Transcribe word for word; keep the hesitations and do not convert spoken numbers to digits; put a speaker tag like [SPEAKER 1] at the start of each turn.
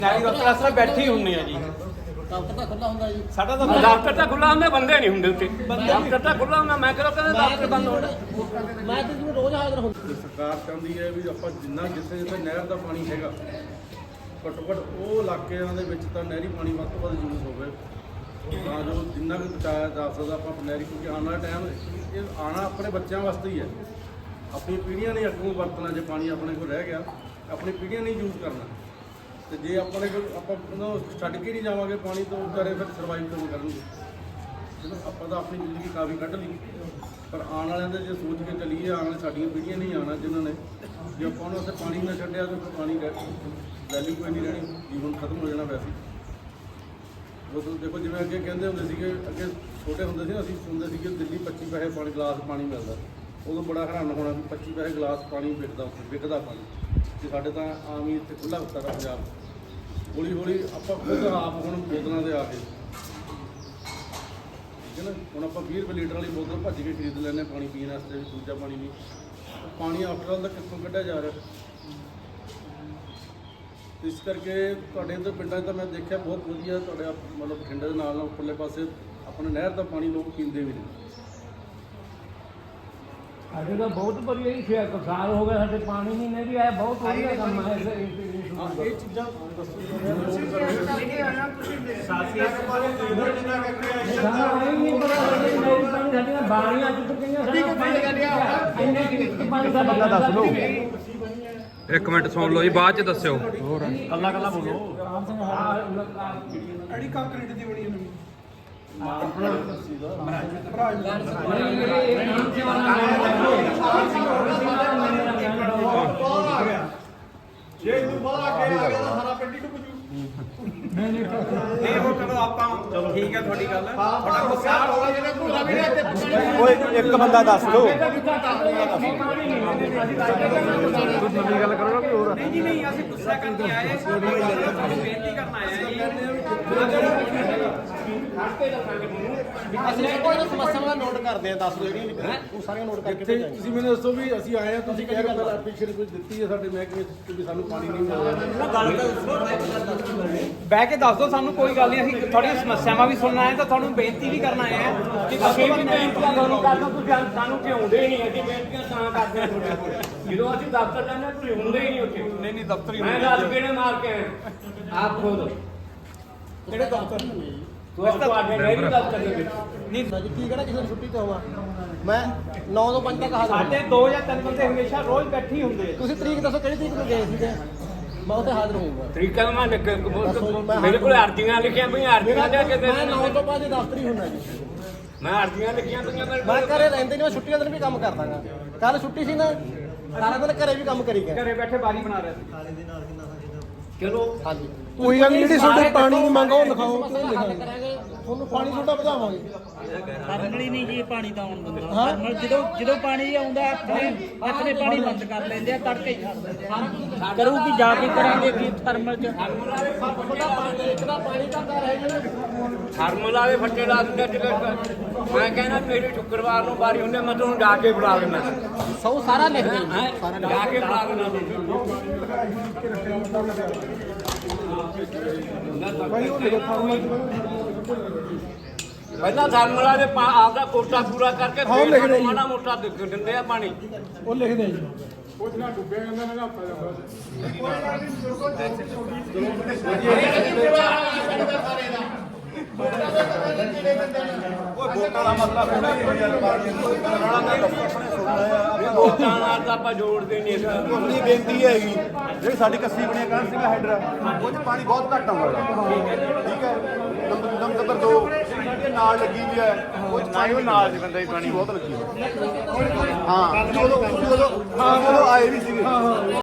[SPEAKER 1] ਦਫ਼ਤਰ ਬੈਠੇ ਹੁੰਨੇ ਆ ਜੀ।
[SPEAKER 2] ਦਫ਼ਤਰ ਤਾਂ ਖੁੱਲਾ ਹੁੰਦਾ ਜੀ
[SPEAKER 1] ਸਾਡਾ ਤਾਂ ਦਫ਼ਤਰ ਤਾਂ ਖੁੱਲਾ ਹੁੰਦਾ, ਬੰਦੇ ਨਹੀਂ ਹੁੰਦੇ ਉੱਤੇ। ਦਫ਼ਤਰ ਤਾਂ ਖੁੱਲਾ ਹੁੰਦਾ, ਮੈਂ ਕਿਹਾ ਕਹਿੰਦੇ ਦਫ਼ਤਰ ਬੰਦ ਹੋਣਾ।
[SPEAKER 2] ਮੈਂ ਤਾਂ ਜਿਵੇਂ ਰੋਜ਼ ਹਾਜ਼ਰ ਹੁੰਦਾ।
[SPEAKER 3] ਸਰਕਾਰ ਚਾਹੁੰਦੀ ਹੈ ਵੀ ਆਪਾਂ ਜਿੰਨਾ ਜਿੱਥੇ ਜਿੱਥੇ ਨਹਿਰ ਦਾ ਪਾਣੀ ਹੈਗਾ ਘੱਟੋ ਘੱਟ ਉਹ ਇਲਾਕਿਆਂ ਦੇ ਵਿੱਚ ਤਾਂ ਨਹਿਰੀ ਪਾਣੀ ਵੱਧ ਤੋਂ ਵੱਧ ਯੂਜ਼ ਹੋਵੇ, ਤਾਂ ਜੋ ਜਿੰਨਾ ਵੀ ਬਚਾਇਆ ਜਾ ਸਕਦਾ ਆਪਾਂ ਨਹਿਰੀ, ਕਿਉਂਕਿ ਆਉਣ ਵਾਲਾ ਟਾਈਮ ਇਹ ਆਉਣਾ ਆਪਣੇ ਬੱਚਿਆਂ ਵਾਸਤੇ ਹੀ ਹੈ। ਆਪਣੀ ਪੀੜ੍ਹੀਆਂ ਨੇ ਅੱਗੋਂ ਵਰਤਣਾ, ਜੇ ਪਾਣੀ ਆਪਣੇ ਕੋਲ ਰਹਿ ਗਿਆ ਆਪਣੀ ਪੀੜ੍ਹੀਆਂ ਨੇ ਯੂਜ਼ ਕਰਨਾ, ਤੇ ਜੇ ਆਪਣੇ ਕੋਲ ਆਪਾਂ ਉਹਨੂੰ ਛੱਡ ਕੇ ਨਹੀਂ ਜਾਵਾਂਗੇ ਪਾਣੀ ਤੋਂ ਵਿਚਾਰੇ ਫਿਰ ਸਰਵਾਈਵ ਕਿਵੇਂ ਕਰਨਗੇ। ਜਦੋਂ ਆਪਾਂ ਤਾਂ ਆਪਣੀ ਜ਼ਿੰਦਗੀ ਕਾਫੀ ਕੱਢ ਲਈ, ਪਰ ਆਉਣ ਵਾਲਿਆਂ ਦੇ ਜੇ ਸੋਚ ਕੇ ਚੱਲੀਏ, ਆਉਣ ਵਾਲੇ ਸਾਡੀਆਂ ਪੀੜ੍ਹੀਆਂ ਨਹੀਂ ਆਉਣਾ ਜਿਨ੍ਹਾਂ ਨੇ, ਜੇ ਆਪਾਂ ਉਹਨਾਂ ਉੱਥੇ ਪਾਣੀ ਨਾ ਛੱਡਿਆ ਤਾਂ ਫਿਰ ਪਾਣੀ ਵੈਲਿਊ ਕੋਈ ਨਹੀਂ ਰਹਿਣੀ, ਜੀਵਨ ਖਤਮ ਹੋ ਜਾਣਾ ਵੈਸੇ। ਉਹ ਦੇਖੋ ਜਿਵੇਂ ਅੱਗੇ ਕਹਿੰਦੇ ਹੁੰਦੇ ਸੀਗੇ, ਅੱਗੇ ਛੋਟੇ ਹੁੰਦੇ ਸੀ ਅਸੀਂ ਸੁਣਦੇ ਸੀਗੇ ਦਿੱਲੀ ਪੱਚੀ ਪੈਸੇ ਪਾਣੀ ਗਲਾਸ ਪਾਣੀ ਮਿਲਦਾ, ਉਦੋਂ ਬੜਾ ਹੈਰਾਨ ਹੋਣਾ ਵੀ ਪੱਚੀ ਪੈਸੇ ਗਲਾਸ ਪਾਣੀ ਵਿਕਦਾ ਉੱਥੇ, ਵਿਕਦਾ ਪਾਣੀ। ਤੇ ਸਾਡੇ ਤਾਂ ਆਮ ਹੀ ਇੱਥੇ ਖੁੱਲ੍ਹਾ ਹੁੰਦਾ ਪੰਜਾਬ। ਹੌਲੀ ਹੌਲੀ ਆਪਾਂ ਖੁਦ ਆਪ ਹੁਣ ਬੋਤਲਾਂ ਦੇ ਆ ਗਏ, ਠੀਕ ਹੈ ਨਾ। ਹੁਣ ਆਪਾਂ ਵੀਹ ਰੁਪਏ ਲੀਟਰ ਵਾਲੀ ਬੋਤਲ ਭੱਜ ਕੇ ਖਰੀਦ ਲੈਂਦੇ ਪਾਣੀ ਪੀਣ ਵਾਸਤੇ, ਦੂਜਾ ਪਾਣੀ ਨਹੀਂ। ਪਾਣੀ ਆਫਟਰ ਆਲ ਦਾ ਕਿੱਥੋਂ ਕੱਢਿਆ ਜਾ ਰਿਹਾ। ਇਸ ਕਰਕੇ ਤੁਹਾਡੇ ਇੱਧਰ ਪਿੰਡਾਂ 'ਚ ਤਾਂ ਮੈਂ ਦੇਖਿਆ ਬਹੁਤ ਵਧੀਆ, ਤੁਹਾਡੇ ਮਤਲਬ ਬਠਿੰਡੇ ਦੇ ਨਾਲ ਨਾਲ ਉੱਪਰਲੇ ਪਾਸੇ ਆਪਣੇ ਨਹਿਰ ਦਾ ਪਾਣੀ ਲੋਕ ਪੀਂਦੇ ਵੀ ਨੇ।
[SPEAKER 4] ਸਾਡੇ ਤਾਂ ਬਹੁਤ ਵਧੀਆ ਹੀ ਛੇ ਸਾਲ ਹੋ ਗਏ ਸਾਡੇ ਪਾਣੀ ਨਹੀਂ ਨਹੀਂ ਆਇਆ, ਬਹੁਤ ਵਧੀਆ ਕੰਮ ਹੈ।
[SPEAKER 3] ਇਹ ਚੀਜ਼ਾਂ
[SPEAKER 4] ਸਾਡੀਆਂ ਬਾਣੀਆਂ ਟੁੱਟ ਗਈਆਂ, ਸਾਡਾ
[SPEAKER 5] ਦੱਸ ਲਓ। ਇੱਕ ਮਿੰਟ ਸੁਣ ਲਓ ਜੀ, ਬਾਅਦ ਚ ਦੱਸਿਓ।
[SPEAKER 1] ਹੋਰ ਕੱਲਾ ਕੱਲਾ ਬੋਲੋ।
[SPEAKER 6] ਅੜੀ ਕੰਕਰੀਟ ਦੀ ਬਣੀ ਨਵੀਂ
[SPEAKER 3] ਜੇ ਤੂੰ ਬੜਾ ਅੱਗੇ ਆ ਗਿਆ ਤਾਂ ਸਾਰਾ ਪਿੰਡ ਹੀ ਡੁੱਬ ਜੂ।
[SPEAKER 1] ਨਹੀਂ ਉਹ ਚਲੋ ਆਪਾਂ ਚਲੋ ਠੀਕ ਹੈ ਤੁਹਾਡੀ ਗੱਲ, ਤੁਹਾਡਾ ਗੁੱਸਾ ਹੋਗਾ ਜਿਹੜੇ ਭੁੱਲਾ ਵੀ ਇੱਥੇ
[SPEAKER 5] ਓਏ ਇੱਕ ਬੰਦਾ ਦੱਸ ਦਿਓ।
[SPEAKER 1] ਤੁਸੀਂ ਨਵੀਂ ਗੱਲ ਕਰੋ ਨਾ ਕੋਈ ਹੋਰ। ਨਹੀਂ ਜੀ ਨਹੀਂ, ਅਸੀਂ ਗੁੱਸਾ ਕਰਕੇ ਆਏ, ਅਸੀਂ ਬੇਨਤੀ ਕਰਨ ਆਏ ਆ ਜੀ।
[SPEAKER 2] ਅਸੀਂ ਕੋਈ ਨਾ ਸਮੱਸਿਆਵਾਂ ਨੋਟ ਕਰਦੇ ਆ, ਦੱਸ ਦਿਓ ਜਿਹੜੀਆਂ ਉਹ ਸਾਰੀਆਂ ਨੋਟ ਕਰਕੇ
[SPEAKER 3] ਇੱਥੇ
[SPEAKER 2] ਭੇਜਾਂਗੇ।
[SPEAKER 3] ਤੁਸੀਂ ਮੈਨੂੰ ਦੱਸੋ ਵੀ ਅਸੀਂ ਆਏ ਆ, ਤੁਸੀਂ ਕਹਿ ਰਹੇ ਹੋ ਐਪਲੀਕੇਸ਼ਨ ਕੁਝ ਦਿੱਤੀ ਹੈ ਸਾਡੇ ਮਹਿਕਮੇ 'ਚ ਵੀ ਸਾਨੂੰ ਪਾਣੀ ਨਹੀਂ ਮਿਲ ਰਿਹਾ।
[SPEAKER 1] ਬਹਿ ਕੇ ਦੱਸ ਦਿਓ ਸਾਨੂੰ, ਕੋਈ ਗੱਲ ਨਹੀਂ। ਅਸੀਂ ਤੁਹਾਡੀਆਂ ਸਮੱਸਿਆਵਾਂ ਵੀ ਸੁਣਨਾ ਹੈ ਤਾਂ ਤੁਹਾਨੂੰ ਬੇਨਤੀ ਵੀ ਕਰਨਾ ਹੈ ਕਿ
[SPEAKER 4] ਅਸੀਂ ਵੀ ਬੇਨਤੀਆਂ ਤੁਹਾਨੂੰ ਕਰਨਾ, ਤੁਸੀਂ ਸਾਨੂੰ ਕਿਉਂਦੇ ਨਹੀਂ। ਅਸੀਂ ਬੇਨਤੀਆਂ ਤਾਂ ਕਰਦੇ ਹਾਂ ਤੁਹਾਡੇ ਕੋਲ। ਜਦੋਂ ਅਸੀਂ ਦਫ਼ਤਰ ਜਾਂਦੇ ਹਾਂ ਤੁਸੀਂ ਹੁੰਦੇ ਹੀ ਨਹੀਂ ਉੱਥੇ।
[SPEAKER 1] ਨਹੀਂ ਨਹੀਂ ਦਫ਼ਤਰ ਹੀ
[SPEAKER 4] ਮੈਂ ਦਸ ਗੇੜੇ ਮਾਰ ਕੇ ਆਇਆ ਆਪ ਖੁਦ।
[SPEAKER 2] ਕਿਹੜੇ ਦਫ਼ਤਰ ਨੇ
[SPEAKER 4] ਤੁਹਾਡੇ ਨਹਿਰੀ ਦਫ਼ਤਰ ਦੇ ਵਿੱਚ
[SPEAKER 1] ਨਹੀਂ।
[SPEAKER 2] ਜੀ ਕੀ ਕਿਹੜਾ ਕਿਸੇ ਨੂੰ ਛੁੱਟੀ ਤੇ ਹੋਵਾਂ ਮੈਂ ਨੌ ਤੋਂ ਪੰਜ ਤੱਕ ਹਾਜ਼ਰ
[SPEAKER 1] ਸਾਡੇ ਦੋ ਜਾਂ ਤਿੰਨ ਬੰਦੇ ਹਮੇਸ਼ਾ ਰੋਜ਼ ਬੈਠੇ ਹੀ ਹੁੰਦੇ ਆ।
[SPEAKER 2] ਤੁਸੀਂ ਤਰੀਕ ਦੱਸੋ ਕਿਹੜੀ ਤਰੀਕ ਨੂੰ ਗਏ ਸੀਗੇ, ਮੈਂ ਉੱਥੇ ਹਾਜ਼ਰ ਹੋਊਂਗਾ।
[SPEAKER 4] ਤਰੀਕਾ ਮੈਂ ਲਿਖ ਮੇਰੇ ਕੋਲ ਅਰਜ਼ੀਆਂ ਲਿਖੀਆਂ ਪਈਆਂ, ਅਰਜ਼ੀਆਂ ਦੇ ਕੇ
[SPEAKER 2] ਮੈਂ ਨੌ ਤੋਂ ਪੰਜ ਦਫ਼ਤਰ ਹੀ ਹੁੰਦਾ ਜੀ।
[SPEAKER 4] ਮੈਂ ਅਰਜ਼ੀਆਂ ਲਿਖੀਆਂ ਪਈਆਂ ਮੇਰੇ
[SPEAKER 2] ਮੈਂ ਘਰੇ ਰਹਿੰਦੇ ਨਹੀਂ, ਮੈਂ ਛੁੱਟੀਆਂ ਦਿਨ ਵੀ ਕੰਮ ਕਰਦਾਗਾ। ਕੱਲ ਛੁੱਟੀ ਸੀ ਨਾ, ਸਾਰਾ ਦਿਨ ਘਰੇ ਵੀ ਕੰਮ ਕਰੀ ਗਏ।
[SPEAKER 1] ਘਰੇ ਬੈਠੇ ਬਾਰੀ ਬਣਾ ਰਹੇ ਸੀ।
[SPEAKER 4] ਚਲੋ
[SPEAKER 2] ਹਾਂਜੀ
[SPEAKER 6] ਕੋਈ ਗੱਲ ਨਹੀਂ, ਜਿਹੜੀ ਤੁਹਾਡੇ ਪਾਣੀ ਦੀ ਮੰਗ ਉਹ ਲਿਖਾਓ, ਕਿਉਂ
[SPEAKER 2] ਹੱਲ
[SPEAKER 6] ਲਿਖਾਓ।
[SPEAKER 2] ਕਰਾਂਗੇ।
[SPEAKER 6] ਤੁਹਾਨੂੰ ਪਾਣੀ ਤੁਹਾਡਾ ਵਧਾਵਾਂਗੇ।
[SPEAKER 7] ਥਰਮਲ ਹੀ ਨਹੀਂ ਜੀ ਪਾਣੀ ਤਾਂ ਆਉਣ ਦਿੰਦਾ। ਥਰਮਲ ਜਦੋਂ ਜਦੋਂ ਪਾਣੀ ਆਉਂਦਾ ਆਪਣੇ ਆਪਣੇ ਪਾਣੀ ਬੰਦ ਕਰ ਲੈਂਦੇ ਆ, ਤੜਕੇ ਹੀ ਛੱਡ ਦਿੰਦੇ ਆ। ਕਰੂਗੀ ਜਾ ਕੇ ਕਰਾਂਗੇ ਕੀ ਥਰਮਲ ਚ।
[SPEAKER 2] ਇੱਕ ਦਾ ਪਾਣੀ ਘੰਟਾ ਰਹਿ ਗਿਆ।
[SPEAKER 4] ਥਰਮਲ ਵਾਲੇ ਫੱਟੇ ਲਾ ਦਿੰਦੇ ਟਿਕਟ। ਮੈਂ ਕਹਿੰਦਾ ਮੇਰੀ ਸ਼ੁੱਕਰਵਾਰ ਨੂੰ ਬਾਰੀ ਹੁੰਦੇ, ਮੈਂ ਤੁਹਾਨੂੰ ਜਾ ਕੇ ਬੁਲਾ ਲੈਣਾ।
[SPEAKER 2] ਸੌ ਸਾਰਾ ਲਿਖ ਦੇ
[SPEAKER 4] ਹੈਂ? ਜਾ ਕੇ ਬੁਲਾ ਲੈਣਾ
[SPEAKER 6] ਭਾਈ ਉਹ ਲਿਖੋ ਫਾਰਮਲ
[SPEAKER 4] ਪਹਿਲਾਂ ਥਰਮਲ ਵਾਲੇ ਆਪਦਾ ਕੋਟਾ ਪੂਰਾ ਕਰਕੇ
[SPEAKER 6] ਹਾਂ, ਲਿਖ ਦੇ ਜੀ।
[SPEAKER 4] ਮਾੜਾ ਮੋਟਾ ਦੇ ਦਿੰਦੇ ਆ ਪਾਣੀ।
[SPEAKER 6] ਉਹ ਲਿਖਦੇ ਆ ਜੀ।
[SPEAKER 3] ਵੋਟਾਂ ਦਾ ਮਸਲਾ ਥੋੜਾ
[SPEAKER 4] ਵੋਟਾਂ ਨਾਲ ਤਾਂ ਆਪਾਂ ਜੋੜਦੇ ਨਹੀਂ ਇਸ ਗੱਲ ਨੂੰ।
[SPEAKER 3] ਆਪਣੀ ਬੇਨਤੀ ਹੈਗੀ, ਜਿਹੜੀ ਸਾਡੀ ਕੱਸੀ ਬਣਿਆ ਕਰ ਸੀਗਾ ਹੈਡਰ, ਉਹ 'ਚ ਪਾਣੀ ਬਹੁਤ ਘੱਟ ਆਉਂਦਾ। ਠੀਕ ਹੈ, ਨੰਬਰ ਨੰਬਰ ਦੋ ਜਿਹੜੀ ਨਾਲ ਲੱਗੀ ਵੀ ਹੈ, ਉਹ 'ਚ ਪਾਣੀ ਨਾਲ ਦੀ ਬੰਦਾ ਪਾਣੀ ਬਹੁਤ ਲੱਗੀ ਹੋਈ। ਹਾਂ, ਉਦੋਂ ਉਦੋਂ ਹਾਂ ਉਦੋਂ ਆਏ ਵੀ ਸੀਗੇ।